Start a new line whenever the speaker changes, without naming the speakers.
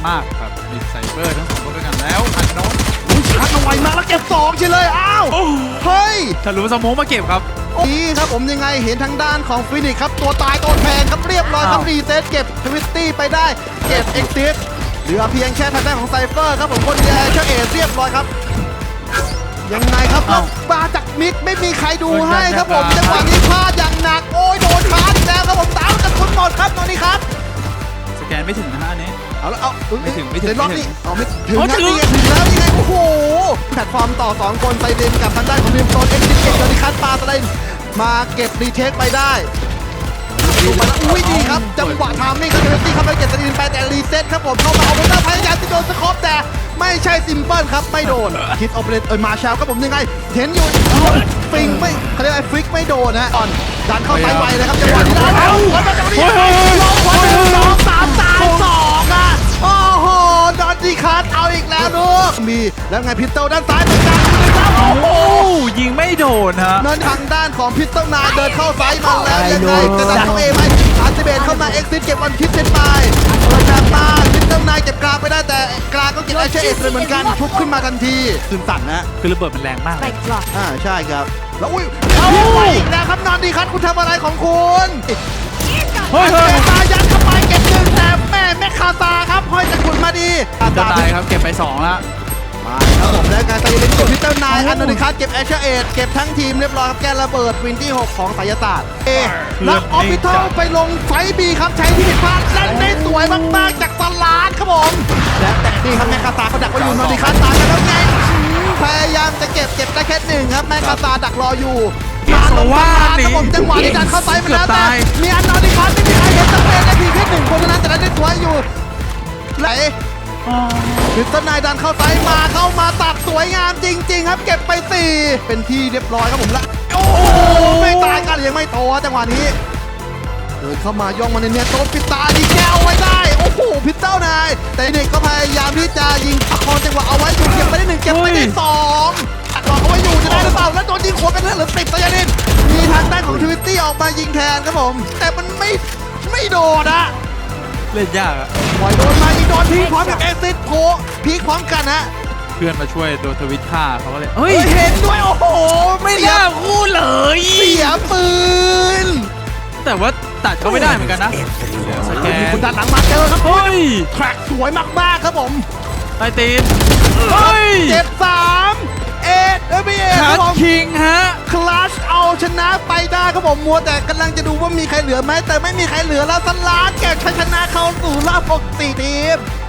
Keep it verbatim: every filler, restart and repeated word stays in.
มากครับมีไซเบอร์ทั้งสองคนด้วยกันแล้วอันโนน
ชักเอาไว้มากแล้วเก็บสองเฉยเลยอ้าวเฮ้ย
ถ้ารู้สมองมาเก็บครับ
นี่ครับผมยังไงเห็นทางด้านของฟินิกส์ครับตัวตายตัวแทนครับเรียบร้อยครับ
อ้าว
รีเซ็ตเก็บทวิตตี้ไปได้เก็บเอ็กซิสเหลือเพียงแค่ทางด้านของไซเฟอร์ครับผมคนเดียวเชอเอเรียบร้อยครับยังไงครับแล้วมาจากมิดไม่มีใครดูให้ครับผมจังหวะนี้พลาดอย่างหนักโอ้ยโดนชาร์จแล้วครับผมตามกันทุนหมดครับตอนนี้ครับ
สแกนไม่ถึงนะฮะอันนี้
เอาแล้วเอา
ไม่ถึงไม่ถึง
เดี๋ยวรอบ
ไม่ถึ
นี้
ง
เอาไม่ถึง
อ๋อ
นะ
ถึง
นี่ไงถึงแล้วนี่ไงโอ้โหแพลตฟอร์มต่อสองคนไซเดนกับทางด้านของทีมโซนเอ็กซิสเก็บจอนิคัสปาสไลน์มาเก็บรีเทคไปได้ดูมาแล้วอุ้ยดีครับจังหวะทามมิ่งครับเทเวนตี้เข้าไปเก็บสตีนไปแต่รีเซ็ตครับผมเข้ามาเอาบอลหน้าพยายามที่โดนสคอปแต่ไม่ใช่ซิมเปิลครับไม่โดนคิดโอเปเรตเออมาแชลครับผมยังไงเห็นอยู่ฟิงไม่เขาเรียกว่าฟิกไม่โดนนะอ่อนดันเข้าไซด์ไวเลยครับจังหวะนี้ได้แล้วแล้วจังหวะนี้ลงคนหนึ่งสองสามตายสองอ่ะโอ้โหดอนดีคัสเอาอีกแล้วลูกมีแล้วไงพิตเติลด้านซ้ายเหมือนกันโอ้โห
โอ้ยิงไม่โดนฮะ
นั่นทางด้านของพิตเติลนายเดินเข้าไซด์มาแล้วยังไงจะดันเข้าเอไหมอาร์ติเบตเข้ามาเอ็กซิสเก็บวันคิดเซนไปเปิดจากมาพิตเติลนายเก็บกลางไปได้แต่กลางก็เก็บไอเชเอสเลยเหมือนกันทุบขึ้นมาทันทีตื่นสั่นนะ
คือระเบิดมันแรงมากเลย
อ่าใช่ครับแล้วอุ้ยเอาไปอีกแล้วครับนอนดีครับคุณทำอะไรของคุณ
เฮ้ยเฮ้ย
ตายัดเข้าไปเก็บหนึ่งแต่แม่แม่คาตาครับห้อยจะขุนมาดี
จะตายครับเก็บไปสองแล้ว
มาครับผมและการไซเลนเก็บพิตเตอร์นายอันนดิคัสเก็บแอชเชอร์เอทเก็บทั้งทีมเรียบร้อยครับแกระเบิดวินที่หกของไสยศาสตร์เอแล้วออฟฟิเทลไปลงไฟบีครับใช้ที่ผิดพลาดเล่นได้สวยมากๆจากสลาดครับผมและแต่นี่ครับแม่คาตาเขาดักไว้อยู่นอนดิคัสตายกันแล้วไงพยายามจะเก็บเก็บได้แค่หนึ่งครับแม่คาตาดักรออยู่มาลงสลาดครับผมจังหวะที่ดันเข้าไซด์ไปแล้วแต่มีอันนอดิคัสไม่มีใครเห็นสเปนได้เพียงแค่หนึ่งคนเท่านั้นแต่ได้สวยอยู่ไหล พิตเตอร์นายดันเข้าไซด์มาเข้ามาตัดสวยงามจริงๆครับเก็บไปสี่เป็นที่เรียบร้อยครับผมละโอ้โหไม่ตายกันยังไม่โตจังหวะนี้เดินเข้ามาย่องมาในเนียโตปิดตาดีแก้วไว้ได้โอ้โหพิตเตอร์นายแต่เด็กก็พยายามที่จะยิงประคองจังหวะเอาไว้อยู่เก็บไปได้หนึ่งเก็บไปได้สองตัดต่อเอาไว้อยู่จะได้หรือเปล่าแล้วโดนยิงหัวเป็นเรื่องหรือติดตะยานินมีทางด้านของทวิตตี้ออกมายิงแทนครับผมแต่มันไม่ไม่โดนอะ
เล่นยากอะ
ปล่อยโดนมาอีกโดนพีคพร้อมกับเอ็กซิสโพพีคพร้อมกันฮะ
เพื่อนมาช่วยโดนทวิตฆ่าเขาก็เลย
เฮ้ยเห็นด้วยโอ้โห
ไม่
เสีย
น่าพูดเลย
เสียปืน
แต่ว่าตัดเขาไม่ได้เหมือนกันนะสแกน
คุณดันหลังมาเจอครับ
เฮ้ย
แทร็กสวยมากๆครับผม
ไอตีนเฮ้ย
เจ็บสามเอ็ดเอบีเอค
คั
รับ
ท
ผม
คิงฮะ
คลาชเอาชนะไปได้ครับผมมัวแต่กำลังจะดูว่ามีใครเหลือไหมแต่ไม่มีใครเหลือแล้วสลาดเก็บชัยชนะเข้าสู่รอบหกสิบสี่ทีม